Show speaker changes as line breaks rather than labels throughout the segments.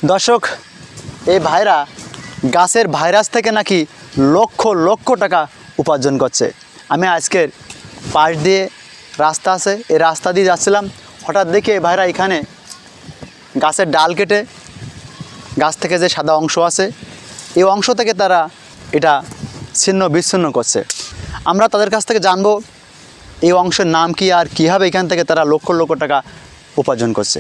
দর্শক, এই ভাইরা গাছের ভাইরাস থেকে নাকি লক্ষ লক্ষ টাকা উপার্জন করছে। আমি আজকের পাশ দিয়ে রাস্তা আছে, এই রাস্তা দিয়ে যাচ্ছিলাম, হঠাৎ দেখি এই ভাইরা এখানে গাছের ডাল কেটে গাছ থেকে যে সাদা অংশ আছে এই অংশ থেকে তারা এটা ছিন্ন বিচ্ছিন্ন করছে। আমরা তাদের কাছ থেকে জানবো এই অংশের নাম কি আর কীভাবে এখান থেকে তারা লক্ষ লক্ষ টাকা উপার্জন করছে।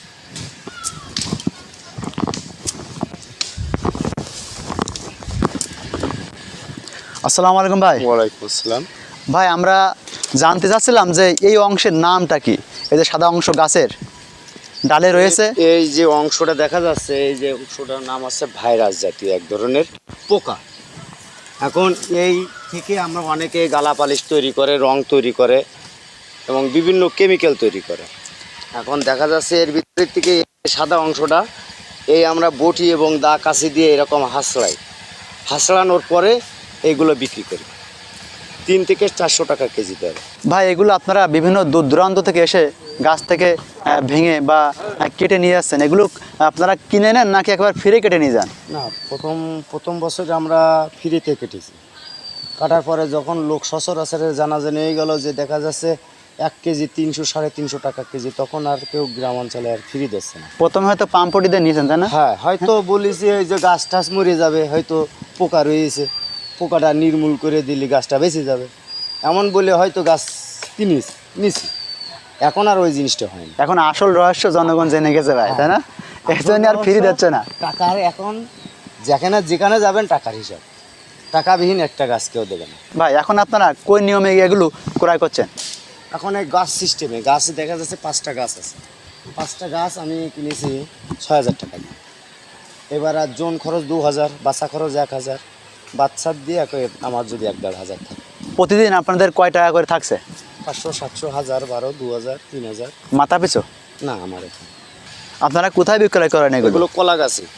আসসালামু আলাইকুম ভাই।
ওয়ালাইকুম আসসালাম।
ভাই, আমরা জানতে চাচ্ছিলাম যে এই অংশের নামটা কি? এই যে সাদা অংশ গাছের ডালে রয়েছে,
এই যে অংশটা দেখা যাচ্ছে, এই যে অংশটার নাম আছে ভাইরাস জাতীয় এক ধরনের পোকা। এখন এই থেকে আমরা অনেকে গালা পালিশ তৈরি করে, রং তৈরি করে এবং বিভিন্ন কেমিক্যাল তৈরি করে। এখন দেখা যাচ্ছে এর ভিতর থেকে সাদা অংশটা এই আমরা বটি এবং দা কাছি দিয়ে এরকম হাসড়ানোর পরে এইগুলো বিক্রি করি 3 থেকে 400 টাকা কেজি দরে।
ভাই এগুলো আপনারা বিভিন্ন দূর দূরান্ত থেকে এসে গাছ থেকে ভেঙে বা কেটে নিয়ে যাচ্ছেন, এগুলো আপনারা কিনে নেন নাকি একবার ফিরে কেটে নিয়ে যান?
না, প্রথম বছর আমরা ফ্রিতে কেটেছি। কাটার পরে যখন লোক সচরাচরের জানাজানি হয়ে গেল যে দেখা যাচ্ছে 1 কেজি 300-350 টাকা কেজি, তখন আর কেউ গ্রাম অঞ্চলে আর ফ্রি দিচ্ছে না।
প্রথমে হয়তো পাম্পটি দিয়ে নিয়েছেন, তাই না?
হ্যাঁ, হয়তো বলেছি এই যে গাছ টাছ মরে যাবে, হয়তো পোকা রয়েছে, পোকাটা নির্মূল করে দিলে গাছটা বেঁচে যাবে, এমন বলে হয়তো গাছ নিছি। এখন আর ওই জিনিসটা হয় না।
এখন আসল রহস্য জনগণ জেনে গেছে ভাই, তাই না? এই জন্য আর ফ্রি দিচ্ছে না।
টাকার এখন যেখানে যাবেন টাকার হিসাব, টাকাবিহীন একটা গাছ কেউ দেবে না।
ভাই এখন আপনারা কোন নিয়মে এগুলো ক্রয় করছেন?
এখন এই গাছ সিস্টেমে গাছ দেখা যাচ্ছে 5টা গাছ আছে, 5টা গাছ আমি কিনেছি 6000 টাকা দিয়ে। এবার আর জোন খরচ 2000, বাচ্চা খরচ 1000, বাচ্চার দিয়ে আমার যদি 1-1.5 থাকে।
প্রতিদিন আপনাদের কয় টাকা করে থাকছে?
500, 700, 1000, 12, 2000, 3000
মাথা পিছু?
না, আমার এখানে।
আপনারা কোথায় বিক্রয় করেন এগুলো?
এগুলো কলা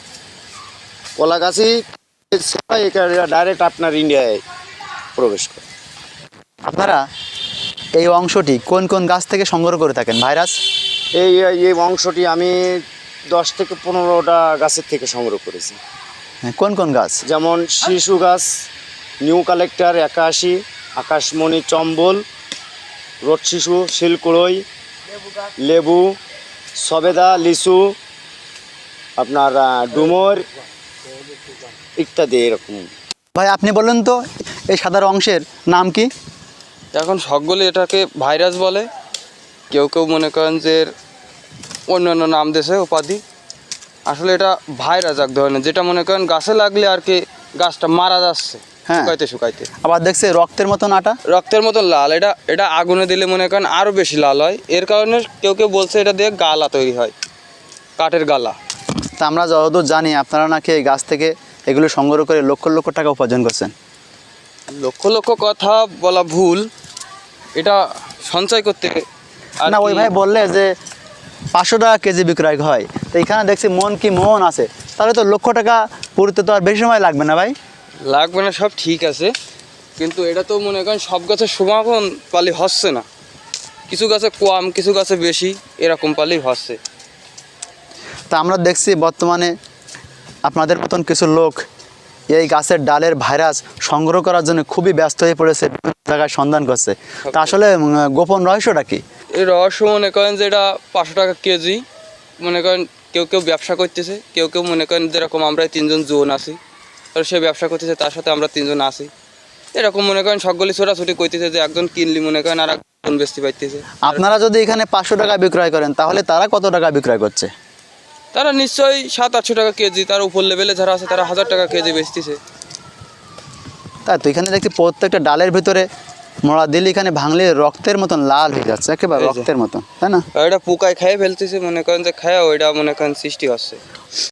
গাছি ডাইরেক্ট আপনার ইন্ডিয়ায় প্রবেশ করে।
আপনারা এই অংশটি কোন কোন গাছ থেকে সংগ্রহ করে থাকেন ভাইরাস?
এই অংশটি আমি 10 থেকে 15টা গাছের থেকে সংগ্রহ করেছি।
কোন কোন গাছ?
যেমন শিশু গাছ, নিউ কালেক্টর 81, আকাশমণি চম্বল, রোড শিশু, শিলকুড়ই, লেবু, সবেদা, লিচু, আপনার ডুমর ইত্যাদি এরকম।
ভাই আপনি বলুন তো এই সাদা অংশের নাম কি?
এখন সকলে এটাকে ভাইরাস বলে, কেউ কেউ মনে করেন যে অন্যান্য নাম দিয়েছে উপাধি। আসলে এটা ভাইরাস এক ধরনের, যেটা মনে করেন গাছে লাগলে আর কি গাছটা মারা যাচ্ছে।
হ্যাঁ,
শুকাইতে
আবার দেখছে রক্তের মতন আটা,
রক্তের মতন লাল। এটা আগুনে দিলে মনে করেন আরও বেশি লাল হয়। এর কারণে কেউ কেউ বলছে এটা দিয়ে গালা তৈরি হয়, কাঠের গালা।
তা আমরা যতদূর জানি আপনারা নাকি এই গাছ থেকে এগুলো সংগ্রহ করে লক্ষ লক্ষ টাকা উপার্জন করছেন।
লক্ষ লক্ষ কথা বলা ভুল, এটা সঞ্চয় করতে
না, ওই ভাই বললে যে 500 টাকা কেজি বিক্রয় হয়, তো এখানে দেখছি মন আছে, তাহলে তো লক্ষ টাকা পুরোতে তো আর বেশি সময় লাগবে না ভাই?
লাগবে না, সব ঠিক আছে, কিন্তু এটা তো মনে করেন সব গাছের সমাপন পালি হচ্ছে না। কিছু গাছে কম, কিছু গাছে বেশি, এরকম পালি হচ্ছে।
তা আমরা দেখছি বর্তমানে আপনাদের মতন কিছু লোক এই গাছের ডালের ভাইরাস সংগ্রহ করার জন্য খুবই ব্যস্ত হয়ে পড়েছে, বিভিন্ন জায়গায় সন্ধান করছে। তা আসলে গোপন রহস্যটা কি?
এই রহস্য মনে করেন যে এটা 500 টাকা কেজি, মনে করেন কেউ কেউ ব্যবসা করতেছে, কেউ কেউ মনে করেন যেরকম আমরা 3জন জোন আছি, আর সে ব্যবসা করতেছে, তার সাথে আমরা 3জন আছি, এরকম মনে করেন সকলে ছোটাছুটি করতেছে যে একজন কিনলি মনে করেন আর একজন বেচতে পাইতেছে।
আপনারা যদি এখানে 500 টাকা বিক্রয় করেন তাহলে তারা কত টাকা বিক্রয় করছে?
তারা নিশ্চয়ই 700-800 টাকা কেজি, তার উপর লেভেলে যারা আছে তারা 1000 টাকা কেজি বেচতেছে।
তাই তো এখানে দেখছি প্রত্যেকটা ডালের ভিতরে মোড়া দিলে এখানে ভাঙলে রক্তের মতন লাল হয়ে যাচ্ছে, একেবারে রক্তের মতন, তাই না?
এটা পোকায় খেয়ে ফেলতেছে, মনে করেন যে খায় ওইটা মনে করেন সৃষ্টি হচ্ছে।